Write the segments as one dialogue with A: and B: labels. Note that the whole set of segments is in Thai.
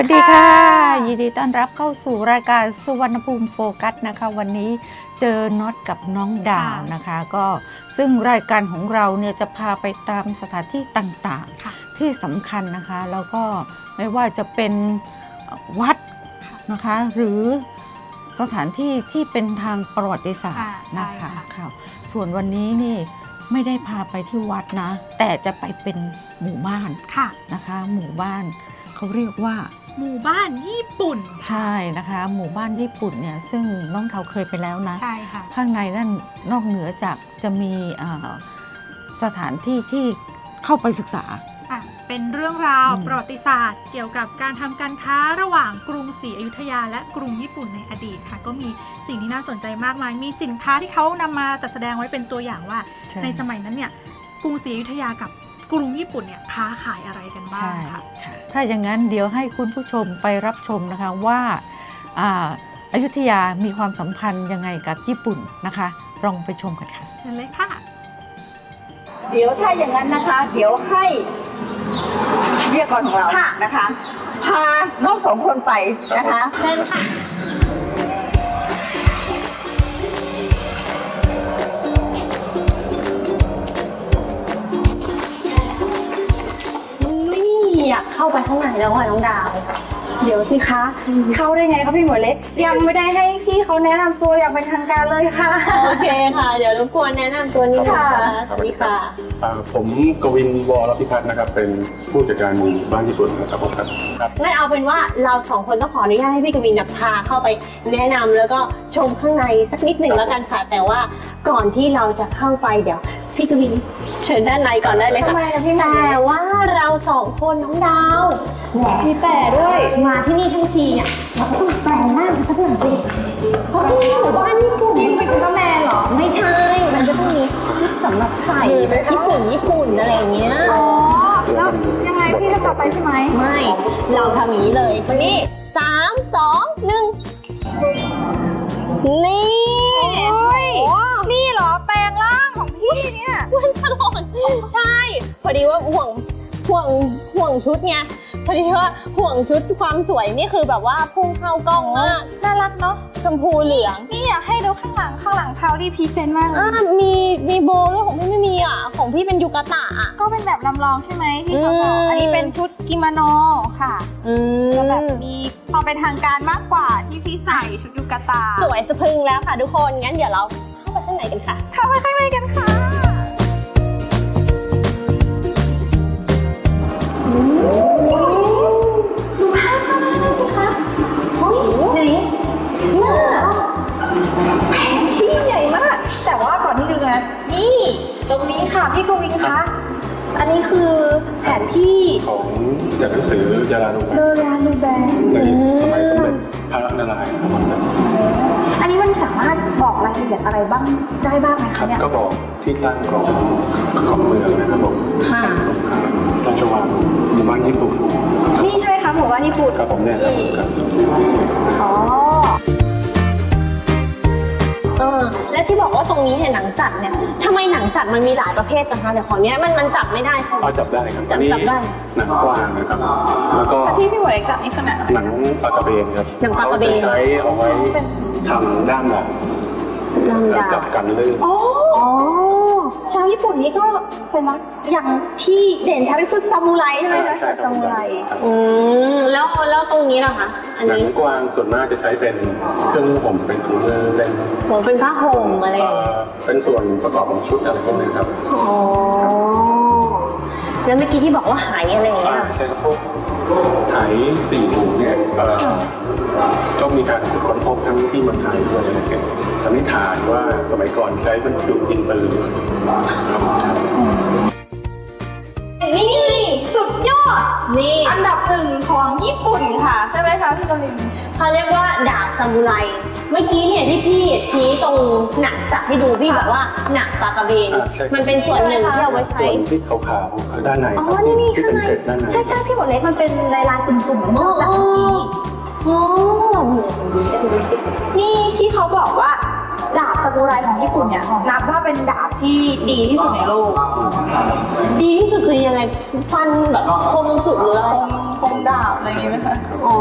A: วัสดีค่ะยินดีต้อนรับเข้าสู่รายการสุวรรณภูมิโฟกัสนะคะวันนี้เจอน็อตกับน้องดาวนะคะก็ซึ่งรายการของเราเนี่ยจะพาไปตามสถานที่ต่างๆที่สำคัญนะคะแล้วก็ไม่ว่าจะเป็นวัดนะคะหรือสถานที่ที่เป็นทางประวัติศาสตร์นะคะค่ะส่วนวันนี้นี่ไม่ได้พาไปที่วัดนะแต่จะไปเป็นหมู่บ้านนะคะหมู่บ้านเขาเรียกว่า
B: หมู่บ้านญี่ปุ่น
A: ใช่นะคะหมู่บ้านญี่ปุ่นเนี่ยซึ่งน้องเทาเคยไปแล้วนะ
B: ใช่ค่ะ
A: ข้างในนั่นนอกเหนือจากจะมีสถานที่ที่เข้าไปศึกษา
B: เป็นเรื่องราวประวัติศาสตร์เกี่ยวกับการทำการค้าระหว่างกรุงศรีอยุธยาและกรุงญี่ปุ่นในอดีตค่ะก็มีสิ่งที่น่าสนใจมากมายมีสินค้าที่เขานำมาจัดแสดงไว้เป็นตัวอย่างว่าในสมัยนั้นเนี่ยกรุงศรีอยุธยากับกรุงญี่ปุ่นเนี่ยค้าขายอะไรกันบ้างค่ะ
A: ถ้าอย่างนั้นเดี๋ยวให้คุณผู้ชมไปรับชมนะคะว่าอยุธยามีความสัมพันธ์ยังไงกับญี่ปุ่นนะคะลองไปชมกันค่ะ
B: เชิญเลยค่ะ
C: เดี๋ยวถ้าอย่างนั้นนะคะเดี๋ยวให้วิทยากรของเรานะคะพาน้องสองคนไปนะคะ
B: เชิญค่ะ
D: อยากเข้าไปข้างในแล้วค่ะน้องดาว
C: เดี๋ยวสิคะเข้าได้ไงคะพี่หมวยเล็กยังไม่ได้ให้พี่เขาแนะนำตัวอย่างเป็นทางการเลยค่ะ
D: โอเคค่ะเดี๋ยวรบกวนแนะนำตัวนิดนึงค่ะสวัสดีค่ะ
E: ผมกวินวรพิพัฒน์นะครับเป็นผู้จัดการหมู่บ้านญี่ปุ่นนะครับผมครับ
D: งั้นเอาเป็นว่าเราสองคนต้องขออนุญาตให้พี่กวินพาเข้าไปแนะนำแล้วก็ชมข้างในสักนิดหนึ่งแล้วกันค่ะแต่ว่าก่อนที่เราจะเข้าไปเดี๋ยวพี่กวินเชิญด้านในก่อนได้เลยค่ะแต่ว่าเราสองคนน้องดาวมีแต่ด้วยมาที่นี่ทั้งทีเนี่ยเราต้องแต่งหน้าสักหน่อยสิเพราะที่นี่หมู่บ้านญี่ปุ่นนี่เป็นก็แม่หรอไม่ใช่มันจะต้องมีชุดสำหรับใส่ญี่ปุ่นอะไรอย่างเงี้ย
C: อ๋อแล้วยังไงพี่จะต่อไปใช่ไหม
D: ไม่เราทำอย่างนี้เลยนี่3 2 1นี่
C: นี่เหรอแปลงร่างของพี่เนี่ย
D: มันตลอดใช่พอดีว่าห่วงชุดไงพอดีว่าห่วงชุดความสวยนี่คือแบบว่าพุ่งเข้ากล้องมาก
C: น่ารักเนาะ
D: ชมพูเหลือง
C: นี่อยากให้ดูข้างหลังเท้าที่พรีเซนต์มาก
D: มีโบด้วยของพี่ไม่มีอ่ะของพี่เป็นยูกาตะ
C: ก็เป็นแบบลำลองใช่ไหมที่เขาบอกอันนี้เป็นชุดกิโมโนค่ะจะแบบมีความเป็นทางการมากกว่าที่พี่ใส่ชุดยูกาตะ
D: สวยสะพรึงแล้วค่ะทุกคนงั้นเดี๋ยวเราเข้าไปข้างในกันค่ะ
C: เข้าไปข้างในกันค่ะดูภาพข้างในสิคะไหนแผนที่ใหญ่มากแต่ว่าก่อนที่จะดูนะนี่ตรงนี้ค่ะพี่กวินคะอันนี้คือแผนที่
E: ของจากหนังสือยาลานู
C: แบน
E: ในสมัยสมเด็จพระนารายณ์ครับ
C: อันนี้มันสามารถบอกรายละเอียดอะไรบ้างได้บ้างไหมคะเนี่ย
E: ก็บอกที่ตั้งของเมืองนะครับผมราชวังหมู่บ้านญี่ปุ่น
C: นี่ใช่ไหมคะหมู่บ้านญี่ปุ่น
E: ครับผมเนี่ยครับ
C: อ๋อ
D: และที่บอกว่าตรงนี้เนี่ยหนังสัตว์เนี่ยทำไมหนังสัตว์มันมีหลายประเภทจังคะแต่ของเนี้ยมันจับไม่ได้ใช่ไหม
E: จับได้ครับจับได้หนังกวางนะครับแล้วก็
C: ที่พี่หมวยจับนี่คือ
E: หนังปลากระเบนครับ
D: หนังปลากระเบน
E: ใช้เอาไว้ทำด้ามหนังจับกันลื่น
C: อ๋อชาวญี่ปุ่นนี่ก็สัญลักษณ์อย่างที่เด่นชัดที่สุดซามูไรใช่ไหมคะซามูไร
D: แล้วตรงนี้ล่ะคะ
E: หนังกวางส่วนมากจะใช้เป็นเครื่องห่มเป็นถุงมือ
D: เป็นผ้าห่มอะไร
E: เป็นส่วนประกอบของชุดอะไรพวกนี้ครับ
D: อ๋อแล้วเมื่อกี้ที่บอกว่าหายอะไรอย่างเงี้ย
E: ใช่ครับพวกหาย4 ถุงเนี่ยก็มีการค้นพบทั้งที่เมืองไทยด้วยนะครับสันนิษฐานว่าสมัยก่อนใช้บรรจุดินปืน
C: นี่สุดยอดนี่อันดับ1ของญี่ปุ่นค่ะใช่ไหมคะพี่กวิน
D: เขาเรียกว่าดาบซามูไรเมื่อกี้เนี่ยที่พี่ชี้ตรงหนังจับให้ดูพี่บอกว่าหนังปลากระเบนมันเป็นส่วนหนึ่งที่เอาไว้ใช้
E: ส่วนที่ขาวๆด้านในที่เป็นเกล็ดด้านใน
C: ใช่พี่หมดเล็กมันเป็นลายตุ่มๆเหมือนจับนี่ที่เขาบอกว่าดาบซามูไรของญี่ปุ่นเนี่ยนับว่าเป็นดาบที่ดีที่สุดในโลก
D: ดีที่สุดคือยังไงฟันแบบคมสุดหรืออะไร
C: คมดาบอะไรอย่างเงี้ยไหมคะ
D: อ๋อ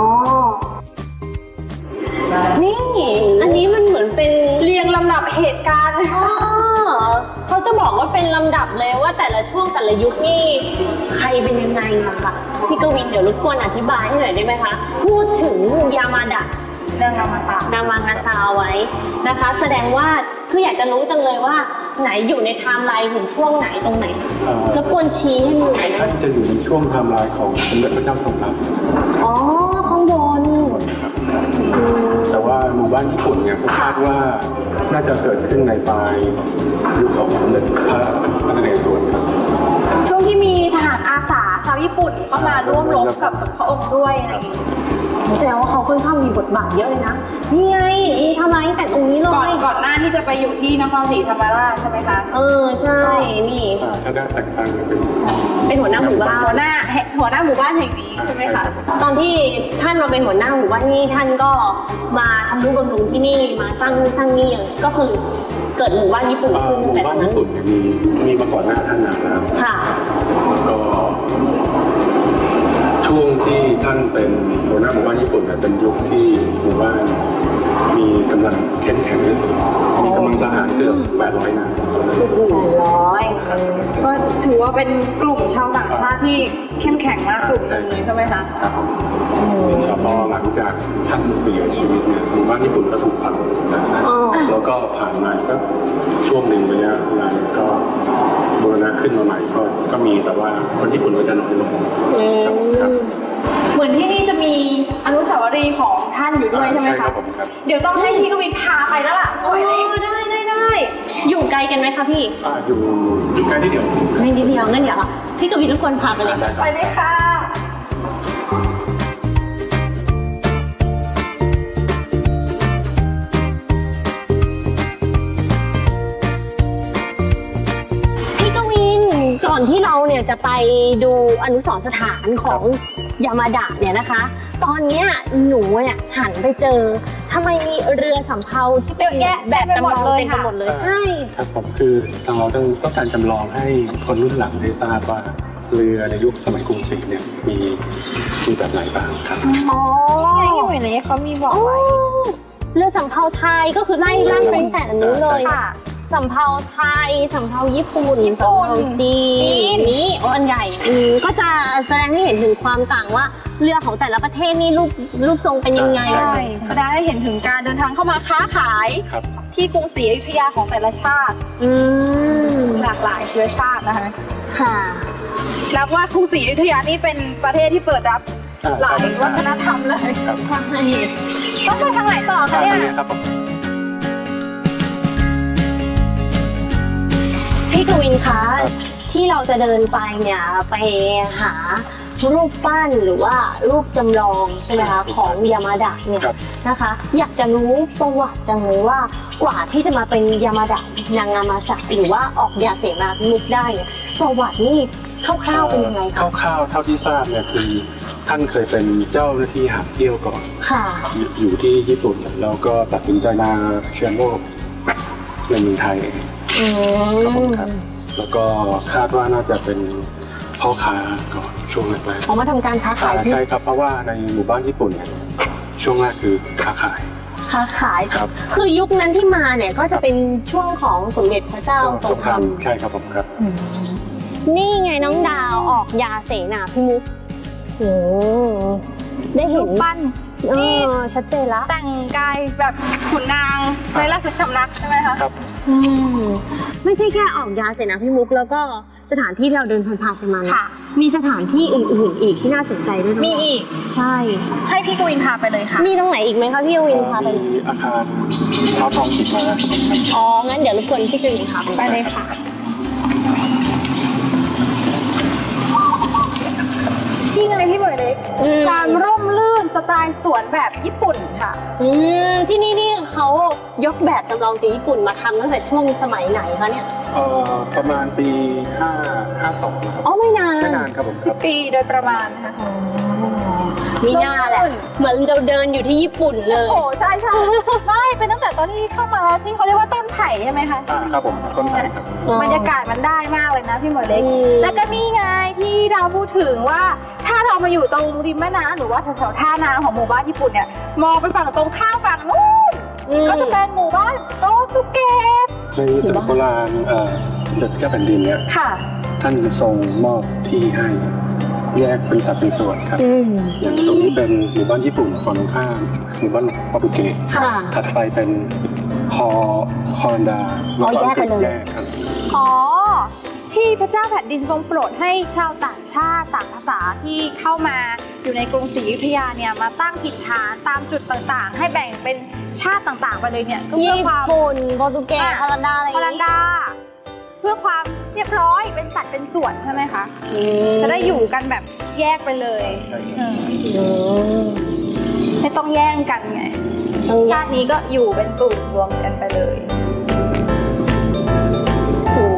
D: นี่อันนี้มันเหมือนเป็น
B: เรียงลำดับเหตุการณ์เลย
D: อ๋อ
B: ค่ะ
D: เขาจะบอกว่าเป็นลำดับเลยว่าแต่ละช่วงแต่ละยุคนี่ใครเป็นยังไงอะค่ะพี่กวินเดี๋ยวรบกวนอธิบายให้หน่อยได้ไหมคะ พูดถึงยามาดะ
C: เรื่องรามาตะ
D: นามางาซาไว้นะคะ แสดงว่าคืออยากจะรู้จังเลยว่าไหนอยู่ในไทม์ไลน์ถึงช่วงไหนตรงไหนรบกวนชี้ให้ดูหน่อย
E: ท่าน
D: นะ
E: จะอยู่ในช่วงไทม์ไลน์ของสมเด็จพระเจ้าทรงรับ
D: อ๋อข้างบน
E: นะครับแต่ว่าหมู่บ้านญี่ปุ่นเนี่ยผมคาดว่าน่าจะเกิดขึ้นในปลายยุคของสมเด็จพระนเรศวรครับ
B: ช่วงที่มีทหารอาสาชาวญี่ปุ่นเข้ามาร่วมรบกับพระองค์ด้วยอะไรอย่างเงี้ย
D: แสดงว่าเขาค่อนข้างมีบทบาทเยอะเลยนะนี่ไงมีทำไมแต่ตรงนี้เล
B: ก่อนหน้าที่จะไปอยู่ที่นครศรีธรรมราชใช่ไหมคะ
D: ใช่นี่
E: ถ้าได้แต่งตั้งเป็น
D: เป็นหัวหน้าหมู่บ้าน
B: หัวหน้าหมู่บ้านแห่งนี้ใช่ไหมคะ
D: ตอนที่ท่านมาเป็นหัวหน้าหมู่บ้านนี่ท่านก็มาทำนุบำรุงที่นี่มาสร้างนี่ก็คือเกิดหมู่บ้านญี่ปุ่นขึ้น
E: หมู่
D: แต่ต
E: บ้า
D: อน นนั้น
E: ญี่ปุ่นเนี่ยมีมาก่อนหน้าท่านนานแล้ว
D: ค่ะ
E: แล้วก็ช่วงที่ท่านเป็นหัวหน้าหมู่บ้านญี่ปุ่นเนี่ยเป็นยุคที่หมู่บ้านมีกำลังเข้มแข็งที่สุดมีกำลังทหารเกือบ800 นาย
B: ก็ถือว่าเป็นกลุ่มชาวต่างชาติที่เข้มแข็งมากกลุ่มหนึงเลยใช่ไหมคะ
E: ครับแต่พอหลังจากท่านเสียชีวิตเนี่ยหมู่บ้านญี่ปุ่นก็ถูกพังแล้วก็ผ่านมาสักช่วงหนึ่งระยะเวลาก็บูรณะขึ้นมาใหม่ก็มีแต่ว่าคนญี่ปุ่นก็จะน้อยลงครับ
B: เหมือนที่นี่จะมีอนุสาวรีย์ของท่านอยู่ด้วยใช่ไหม
E: ครั
B: คะ
E: บผมครับ
B: เดี๋ยวต้องให้พี่กวินพาไปแล้วล่ะ
D: ได้อยู่ไกลกันไหมคะพี่
E: อยู่ใกล้ที่เดียว
D: ไม่นิดเดียวงั้นเดี๋ยวพี่กวินรบกวนพาไปเลย
B: ไปเลยค่ะ
D: พี่กวินก่อนที่เราเนี่ยจะไปดูอนุสรณ์สถานของยามาดะเนี่ยนะคะ ตอนเนี้ยหนูเนี่ยหันไปเจอทำไมมีเรือสำเภาที่เป็น
B: เยอะแยะ
D: แบบจำลอง
B: เต็มไปหมดเลย
D: เต็มไป
B: ค่ะ
D: หมดเลยใช่
E: ครับผมคือทางเราต้องการจำลองให้คนรุ่นหลังได้ทราบว่าเรือในยุคสมัยกรุงศรีเนี่ยมีแบบไหนบ้างครับ
D: อ๋อ
B: นี่ไงที่อยู่ในนี้เขามีบอกไว้
D: เรือสำเภาไทยก็คือไล่ไปตั้งแต่อันนู้นเลย
B: ค่ะ
D: สำเภาไทยสำเภาญี่ปุ่นสำเภาจีนนี้อันใหญ่ก็จะแสดงให้เห็นถึงความต่างว่าเรือของแต่ละประเทศนี่รูปทรงเป็นยังไง
B: ใช่แสดงให้เห็นถึงการเดินทางเข้ามาค้าขาย
E: ครับ
B: ที่กรุงศรีอยุธยาของแต่ละชาติ
D: อืม
B: หลากหลายเชื้อชาตินะคะ
D: ค่ะ
B: นับว่ากรุงศรีอยุธยานี่เป็นประเทศที่เปิดรับหลายวัฒนธรรมเลย
E: ครับ
D: ใช่
B: ต้องไปทางไหนต่อคะเนี่ย
E: ครับผม
D: พี่กวินคะที่เราจะเดินไปเนี่ยไปหารูปปั้นหรือว่ารูปจำลองใช่ไหมคะของยามาดะเนี่ย
E: ครับ
D: นะคะ อยากจะรู้ประวัติจังเลยว่ากว่าที่จะมาเป็นยามาดะนางามาสะหรือว่าออกยาเสนานุกได้เนี่ยประวัตินี่คร่าวๆเป็นยังไงคะ
E: คร่าวๆเท่าที่ทราบเนี่ยคือท่านเคยเป็นเจ้าหน้าที่หาบเที่ยวก่อน
D: ค่ะ
E: อยู่ที่ญี่ปุ่นแล้วก็ตัดสินใจมาเชื้อโรคในเมืองไทย
D: อืม
E: ครับผมครับ แล้วก็คาดว่าน่าจะเป็นพ่อค้าก่อนช่วงแรก
D: ออกมาทำการค้า
E: ๆ
D: ขายที่
E: ใช่ครับเพราะว่าในหมู่บ้านญี่ปุ่นเนี่ยช่วงแรกคือค้าขาย
D: ค้าขาย
E: ครับ
D: คือยุคนั้นที่มาเนี่ยก็จะเป็นช่วงของสมเด็จพระเจ้าทรงธรรม
E: ใช่ครับผมครับ
D: นี่ไงน้องดาวออกยาเสนาพิมุขโอ้ได้เห็
B: รู
D: น
B: ปปั้น
D: ชัดเจนละ
B: แต่งกายแบบขุนนางในราชสำนักใช่ไหมคะ
E: ครับ
D: ไม่ใช่แค่ออกยาเสนาพิมุขแล้วก็สถานที่เราเดินผ่านๆไปมานะ
B: ค่ะ
D: มีสถานที่อื่นๆอีกที่น่าสนใจด้วยนะ
B: มีอีก
D: ใช่
B: ให้พี่กวินพาไปเลยค่ะ
D: มีตรงไหนอีกไหมคะพี่วินพาไป
E: มีอาคารเท้าทองจิตมาครับ
D: อ๋องั้นเดี๋ยวรบกวนพี่วินพาไป
B: ไปเลยค่ะ ที่ไงพี่บอยเล็กความร่มรื่นสไตล์สวนแบบญี่ปุ่นค่ะ
D: ที่นี่เขายกแบบจำลองจากญี่ปุ่นมาทำตั้งแต่ช่วงสมัยไหนคะเนี่ย
E: ประมาณปี552นะครับ
D: อ๋อไม่นาน
E: ไม่นานครับผมครับ
B: ปีโดยประมาณนะคะ
D: มีหน้าแหละเหมือนเราเดินอยู่ที่ญี่ปุ่นเลย
B: โอ้ใช่ใช่ไม่เป็นตั้งแต่ตอนที่เข้ามาที่เขาเรียกว่าต้นไผ่ใช่ไหมคะ
E: ครับผมต้นไม้ครับ
B: บรรยากาศมันได้มากเลยนะพี่หมวยเล็ก
D: อืม
B: แล้วก็นี่ไงที่เราพูดถึงว่าถ้าเรามาอยู่ตรงริมแม่น้ำหรือว่าแถวๆท่าน้ำของหมู่บ้านญี่ปุ่นเนี่ยมองไปฝั่งตรงข้ามฝั่งนู้นก็จะเป็นหมู่บ้านโตสุเกะ
E: ในสมัยโบราณสมเด็จพระเจ้าแผ่นดินเนี่ย
B: ค่ะ
E: ท่านทรงมอบที่ให้แยกเป็นสัดเป็นส่วนครับ
D: อืม
E: อย่างตรงนี้เป็นหมู่บ้านญี่ปุ่นฝั่งตรงข้ามหมู่บ้านโปรตุเกส
D: ค่ะ
E: ถัดไปเป็นฮอลันดา
D: อ๋อแยกไปเลย
E: แยกครับ
B: อ๋อที่พระเจ้าแผ่นดินทรงโปรดให้ชาวต่างชาติต่างภาษาที่เข้ามาอยู่ในกรุงศรีอยุธยาเนี่ยมาตั้งถิ่นฐานตามจุดต่างๆ ให้แบ่งเป็นชาติต่างๆไปเลยเนี่ยก็เพื่อ
D: ญี่
B: ความ
D: ปุ่นโปรตุเกสฮอลันดาอะไร
B: ฮอลันดา เพื่อความเรียบร้อยเป็นสัดเป็นส่วนใช่ไหมคะจะได้อยู่กันแบบแยกไปเลยไม่ต้องแย่งกันไงชาตินี้ก็อยู่เป็นกลุ่มรวมกันไปเลย
D: โอ้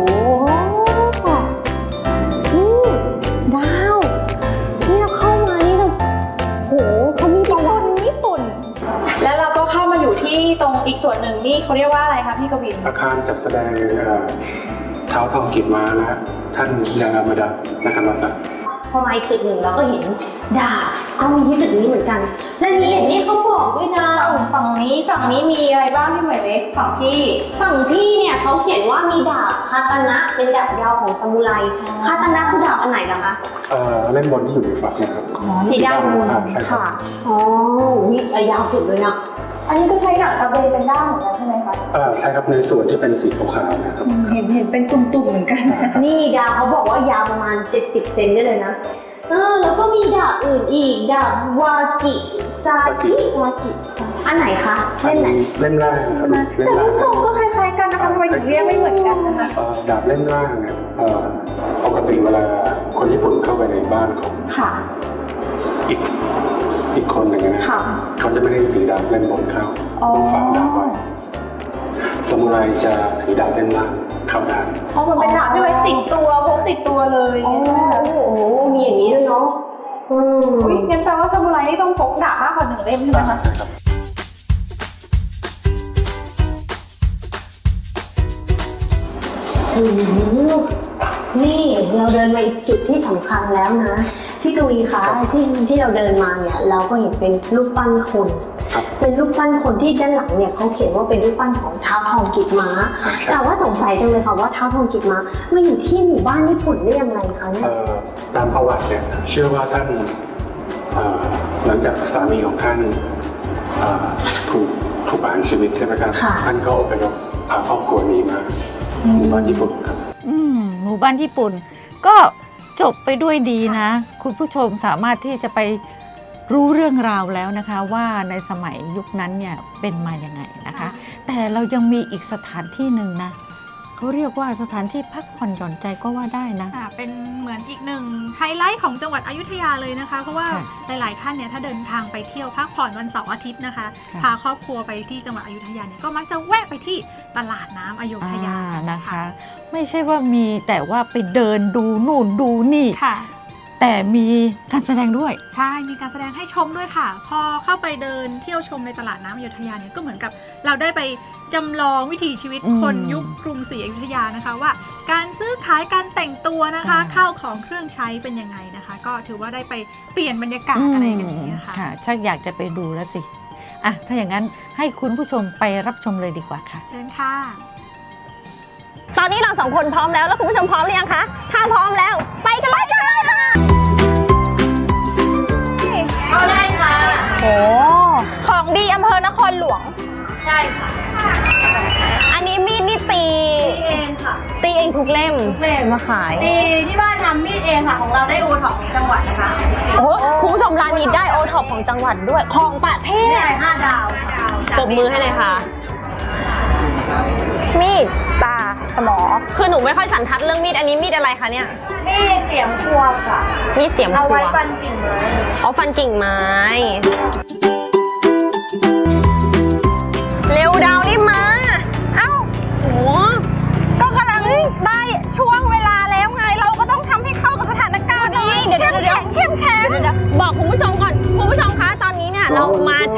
D: ดาวนี่เราเข้ามานี่เราโหเขามีประวัติ
B: ญี่ปุ่น แล้วเราก็เข้ามาอยู่ที่ตรงอีกส่วนหนึ่งนี่เขาเรียกว่าอะไรคะพี่กวิน
E: อาคารจัดแสดงเท้าทองกิจม้านะท่านยามาดะนากามาสะ
D: พอมาอีกตึกหนึ่งเราก็เห็นดาบก็มีที่ตึกนี้เหมือนกันและนี่เห็นนี่เขาบอกด้วยนะ
B: ฝั่งนี้มีอะไรบ้างพี่หมวยเล็กฝั่งพี่
D: ฝั่งพี่เนี่ยเขาเขียนว่ามีดาบคาตานะเป็นดาบยาวของซามูไรคาตานะคือดาบอันไหนล่ะคะ
E: เล่มบนที่อยู่ในฝักนะครับ
D: สีดำ
E: ใช่ครับ
D: อ๋อนี่ยาวสุดเลยนะ
B: อันนี้ก็ใช้หนังกระเบนเป็นด้ามเหมือนกันใช่ไหมคะ
E: ใช่ครับในส่วนที่เป็นสีขาวๆนะครับ
B: เห็นเป็นตุ่มๆเหมือนกัน
D: นี่ดาบเขาบอกว่ายาวประมาณ70เซนได้เลยนะแล้วก็มีดาบอื่นอีกดาบวากิซากิอันไหนคะเล่มไหน
E: เล่มล่างครับเล่ม
B: แต่
E: ล่า
B: รู
E: ง
B: ปทรงก็คล้ายๆกันนะคะทำไมถึงเรียกไม่เหมือนกันนะคะ
E: ดาบเล่มล่างเนี่ยปกติเวลาคนญี่ปุ่นเข้าไปในบ้านของ
B: ค่ะ
E: อีกคนหนึ่งนะ
B: ค่ะ
E: เขาจะไม่ได้ถือดาบเล่มบนเข้า
B: อ๋อ
E: ต้องฝากดาบไว้ซามูไรจะถือดาบเล่มล่างเข้าได้
B: อ๋อมันเป็นดาบที่ไว้ติดตัวพกติดตัวเลย
D: โอ้
B: ใช่ไหมคะ
D: โหมีอย่างนี้ด้วยเนาะ
B: อุ๊ยงั้นแปลว่าซามูไรนี่ต้องพกดาบมากกว่า1 เล่มใช่ไหมคะ
E: ครับ
D: นี่เราเดินมาอีกจุดที่สำคัญแล้วนะพี่กวีคะที่เราเดินมาเนี่ยเราก็เห็นเป็นรูปปั้นคน
E: ครับ
D: เป็นรูปปั้นคนที่ด้านหลังเนี่ยเขาเขียนว่าเป็นรูปปั้นของท้าวทองกิจม้าแต่ว่าสงสัยจังเลยค่ะว่าท้าวทองกิจม้ามาอยู่ที่หมู่บ้านญี่ปุ่นได้ยังไงคะเนี่ย
E: ตามประวัติเนี่ยเชื่อว่าท่านหลังจากสามีของท่านถูกประหารชีวิตใช่ไหมครับท่านก็อพยพพาครอบครัวนี้มาหมู่บ้านญี่ปุ่นครับ
A: หมู่บ้านญี่ปุ่นก็จบไปด้วยดีนะ คุณผู้ชมสามารถที่จะไปรู้เรื่องราวแล้วนะคะว่าในสมัยยุคนั้นเนี่ยเป็นมาอย่างไงนะคะ แต่เรายังมีอีกสถานที่หนึ่งนะเขาเรียกว่าสถานที่พักผ่อนหย่อนใจก็ว่าได้นะ
B: เป็นเหมือนอีกหนึ่งไฮไลท์ของจังหวัดอยุธยาเลยนะคะ เพราะว่า
A: ค่ะ
B: หลายๆท่านเนี่ยถ้าเดินทางไปเที่ยวพักผ่อนวันเสาร์อาทิตย์นะคะ
A: ค่ะ
B: พาครอบครัวไปที่จังหวัดอยุธยาเนี่ยก็มักจะแวะไปที่ตลาดน้ำอยุธยา
A: นะคะ ไม่ใช่ว่ามีแต่ว่าไปเดินดูนู่นดูนี่
B: ค่ะ
A: แต่มีการแสดงด้วย
B: ใช่ มีการแสดงให้ชมด้วยค่ะ พอเข้าไปเดินเที่ยวชมในตลาดน้ำอยุธยาเนี่ยก็เหมือนกับเราได้ไปจำลองวิถีชีวิตคนยุคกรุงศรีอยุธยานะคะว่าการซื้อขายการแต่งตัวนะคะ
A: ใช่
B: ข้าวของเครื่องใช้เป็นยังไงนะคะ ก็ถือว่าได้ไปเปลี่ยนบรรยากาศอะไรกันอย่างนี้ยค่ะ
A: ค่ะชักอยากจะไปดูแล้วสิอ่ะถ้าอย่างนั้นให้คุณผู้ชมไปรับชมเลยดีกว่าค่ะ
B: เชิญค่ะ
D: ตอนนี้เราสองคนพร้อมแล้วคุณผู้ชมพร้อมหรือยังคะถ้าพร้อมแล้วไปกันเลยค่ะเอาได้ค่ะโอ้
B: ของดีอำเภอนครหลวง
F: ใช่ค่ะ
D: อันนี้มีดนี่ตี
F: เองค่ะ
D: ตีเองทุกเล่ม
F: ทุกเล่ม
D: มาขาย
F: ตีที่บ้านทำมีดเองค่ะ ของเราได้โอท็อปจังหวัดนะคะ
D: โอ้คุณผู้ชมร้านนี้ได้โอท็อปของจังหวัดด้วยของประเทศ
F: ได้5 ดาว
D: ปรบมือให้เลยค่ะ มีด
B: ตาสมอ
D: คือหนูไม่ค่อยสันทัดเรื่องมีดอันนี้มีดอะไรคะเนี่ย
F: มีดเสียมครัวค่ะ
D: มีดเสียมค
F: เอา
D: รัว
F: ไว้ฟันกิ่งไม้
D: อ๋อฟันกิ่งไม้ เร็วดาวรีบมา เอ้าโหก็กำลังได้ช่วงเวลาแล้วไง เราก็ต้องทำให้เข้ากับสถานการณ์นี้เดี๋ยวเข้มแข็งบอกคุณผู้ชมก่อน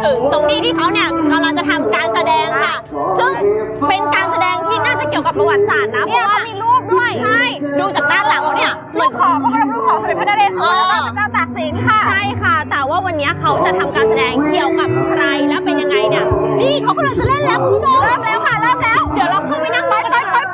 D: ถึงตรงนี้ที่เขาเนี่ยกำลังจะทำการแสดงค่ะ ซึ่งเป็นการแสดงที่น่าจะเกี่ยวกับประวัติศาสตร์นะเพราะว่ามีรูปด้วยใช่ดูจากด้านหลังแล้วเนี่ยรูปของพระบรมรูปของสมเด็จพระนเรศวรและพระเจ้าตากสินค่ะใช่ค่ะแต่ว่าวันนี้เขาจะทำการแสดงเกี่ยวกับใครและเป็นยังไงเนี่ยนี่เขากำลังจะเล่นแล้วคุณผู้ชมเริ่มแล้วค่ะเริ่มแล้วเดี๋ยวเราเข้าไปนั่งไป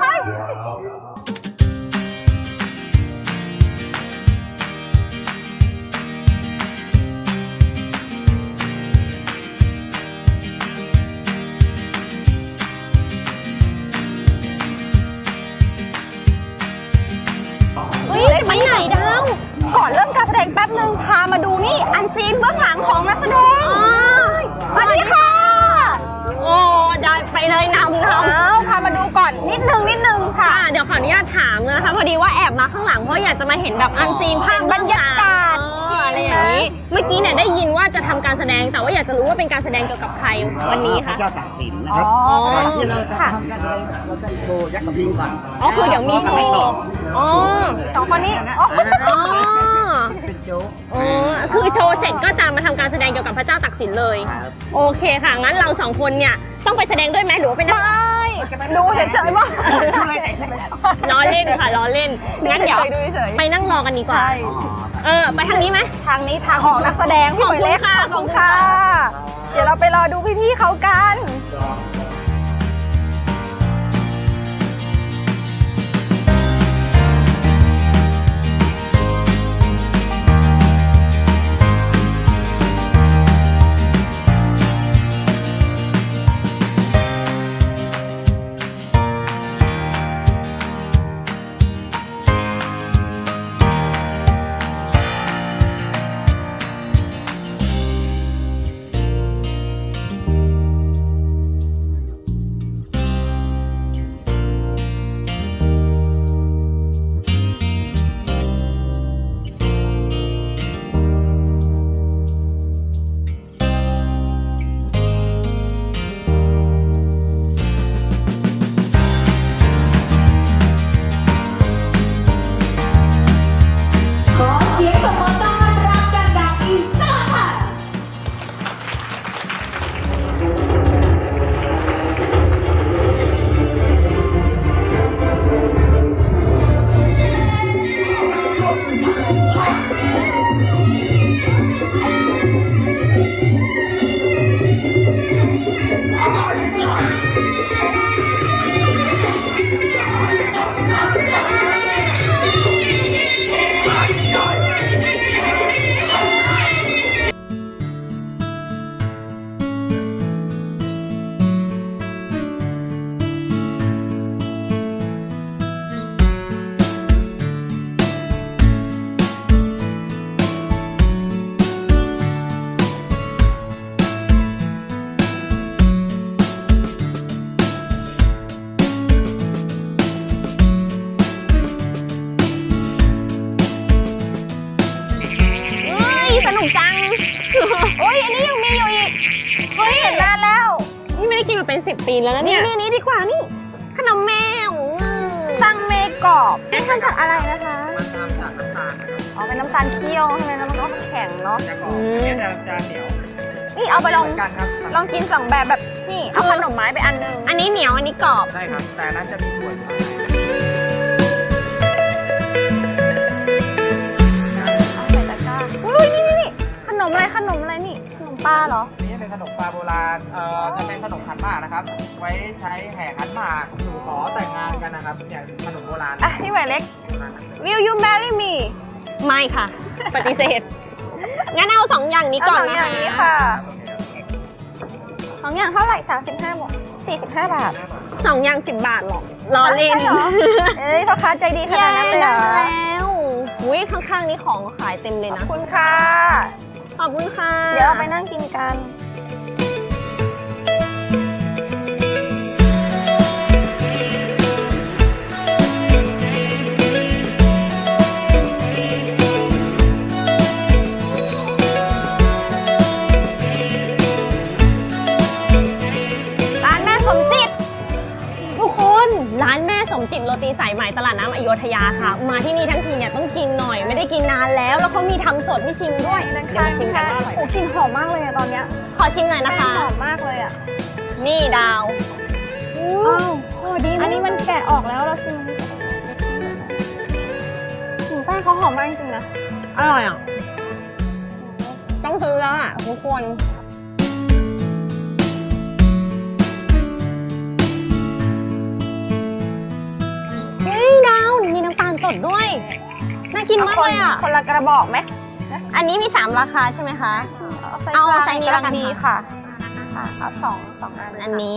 D: ไปไหนดาวก่อนเริ่มการแสดงแป๊บนึงพามาดูนี่อันซีนเบื้องหลังของนักแสดงสวัสดีค่ะโอ้ได้ไปเลยนำพามาดูก่อนนิดนึงค่ะเดี๋ยวขออนุญาตถามนะคะพอดีว่าแอบมาข้างหลังเพราะอยากจะมาเห็นแบบอันซีนภาพบรรยากาศอะไรอย่างนี้เมื่อกี้เนี่ยได้ยินว่าจะทำการแสดงแต่ว่าอยากจะรู้ว่าเป็นการแสดงเกี่ยวกับใครวันนี้ค่ะพระเจ้าตากสินนะครับที่เราจะทำการแสดงเราจะโชว์ยักษ์กับลิงก่อนอ๋อคือเดี๋ยวมีโชว์สองคนนี้เป็นโชว์คือโชว์เสร็จก็จะมาทำการแสดงเกี่ยวกับพระเจ้าตากสินเลยโอเคค่ะงั้นเราสองคนเนี่ยต้องไปแสดงด้วยไหมหรือว่าเป็นดูเฉยๆว่าล้อเล่นค่ะล้อเล่นงั้นเดี๋ยวไปนั่งรอกันดีกว่าไปทางนี้ไหมทางนี้ทางของนักแสดงพี่หมวยเล็กค่ะขอบคุณค่ะเดี๋ยวเราไปรอดูพี่ๆเขากันสนุกจังโอ้ยอันนี้ยังมีอยู่อีกเฮ้ยเห็นนานแล้วนี่ไม่ได้กินมาเป็น10 ปีแล้วนะเนี่ยนี่ดีกว่านี่ขนมแมวตังเมกรอบนี่ทำจากอะไรนะคะมันทำจากน้ำตาลอ๋อเป็นน้ำตาลเคี่ยวใช่ไหมแล้วมันก็แข็งเนาะจะเหนียวนี่เอาไปลองกิน2แบบนี่เอาขนมไม้ไปอันนึงอันนี้เหนียวอันนี้กรอบใช่ครับแต่นั้นจะมีถั่วอยู่ข้างในนี่ขนมอะไรนี่ขนมปลาเหรอนี่เป็นขนมปลาโบราณจะเป็นขนมขันหมากนะครับไว้ใช้แห่ขันหมากสู่ขอแต่งงานกันนะครับอย่างขนมโบราณพี่หมายเล็ก Will you marry me ไม่ค่ะปฏิเสธงั้นเอา2 อย่างนี้ก่อนนะคะ2 อย่างนี้ค่ะ2 อย่างเท่าไหร่35 บาท45 บาท2 อย่าง10 บาทหรอรอเล่นพ่อค้าใจดีขนาดนั้นเลยแล้วอุ้ยข้างๆนี้ของขายเต็มเลยนะขอบคุณค่ะขอบคุณค่ะเดี๋ยวเราไปนั่งกินกัน จิตโรตีสายไหมตลาดน้ำอโยธยาค่ะมาที่นี่ทั้งทีเนี่ยต้องกินหน่อยไม่ได้กินนานแล้วเขามีทำสดให้ชิมด้วยเดี๋ยวมาชิมกันว่าอร่อยโอ้กลิ่นหอมมากเลยตอนเนี้ยขออชิมหน่อยนะคะ
F: หอมมากเลยอ่ะ
D: นี่ดาว
F: อ้าวโอ้ดีอันนี้มันแกะออกแล้วเราชิมแป้งเขาหอมมากจริงๆนะ
D: อร่อยอ่ะ ต้องซื้อแล้วอ่ะทุกคนเฮ้ยดาวมีน้ำตาลสดด้วย น่ากินมากเลยอ่ะ
F: คนละกระบอกไหม
D: อันนี้มี 3 ราคาใช่ไหมคะ เอาไซส์นี้แล้วกัน
F: ดี
D: ค่ะ
F: ค่ะเอาสองอัน
D: อันนี้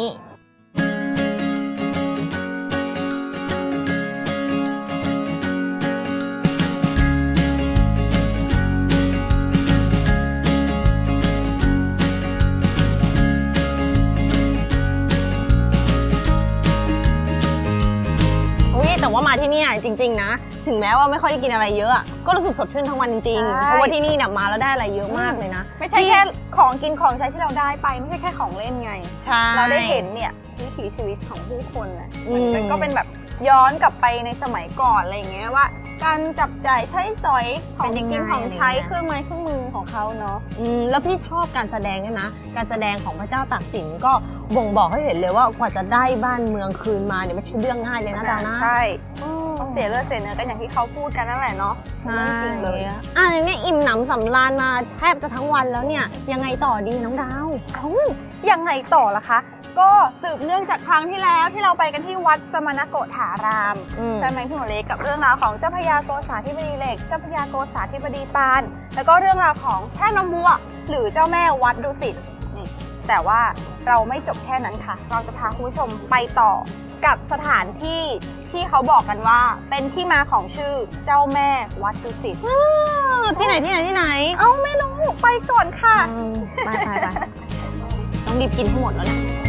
D: อุ้ยแต่ว่ามาที่นี่จริงๆนะ ถึงแม้ว่าไม่ค่อยได้กินอะไรเยอะอะก็รู้สึกสดชื่นทั้งวันจริงๆ เพราะว่าที่นี่เนี่ยมาแล้วได้อะไรเยอะมากเลยนะ
F: ไม่ใช่แค่ของกินของใช้ที่เราได้ไปไม่ใช่แค่ของเล่นไง
D: ใช่
F: เราได้เห็นเนี่ยวิถีชีวิตของผู้คนนะ
D: อืม
F: มันก็เป็นแบบย้อนกลับไปในสมัยก่อนอะไรอย่างเงี้ยว่า การจับจ่ายใช้สอยของกินของใช้เครื่องไม้เครื่องมือของเขาเนาะ
D: แล้วพี่ชอบการแสดงด้วยนะ การแสดงของพระเจ้าตากสินก็บ่งบอกให้เห็นเลยว่ากว่าจะได้บ้านเมืองคืนมาเนี่ยไม่ใช่เรื่องง่ายเลยนะดาวนะ
F: ใช่ต้องเสียเลือดเสียเนื้อกันอย่างที่เขาพูดกันนั่นแหละเนาะเรื่องจริงเลย
D: อย่างเนี้ยอิ่มหนำสำราญมาแทบจะทั้งวันแล้วเนี่ยยังไงต่อดีน้องดาว
F: ยังไงต่อล่ะคะ ก็สืบเนื่องจากครั้งที่แล้วที่เราไปกันที่วัดสมณโกฐาราม ใช่ไหมพี่หนูเล็กกับเรื่องราวของเจ้าพระยาโกษาธิบดีเหล็กเจ้าพระยาโกษาธิบดีปานแล้วก็เรื่องราวของแท่นมบัวหรือเจ้าแม่วัดดุสิตนี่แต่ว่าเราไม่จบแค่นั้นค่ะ เราจะพาคุณผู้ชมไปต่อกับสถานที่ที่เขาบอกกันว่าเป็นที่มาของชื่อเจ้าแม่วัดดุสิต
D: ที่ไหนที่ไหนที่ไหน
F: เอ้าไม่รู้ไปก่อนค่ะ
D: ไปต้องรีบกินให้หมดแล้วเนี่ย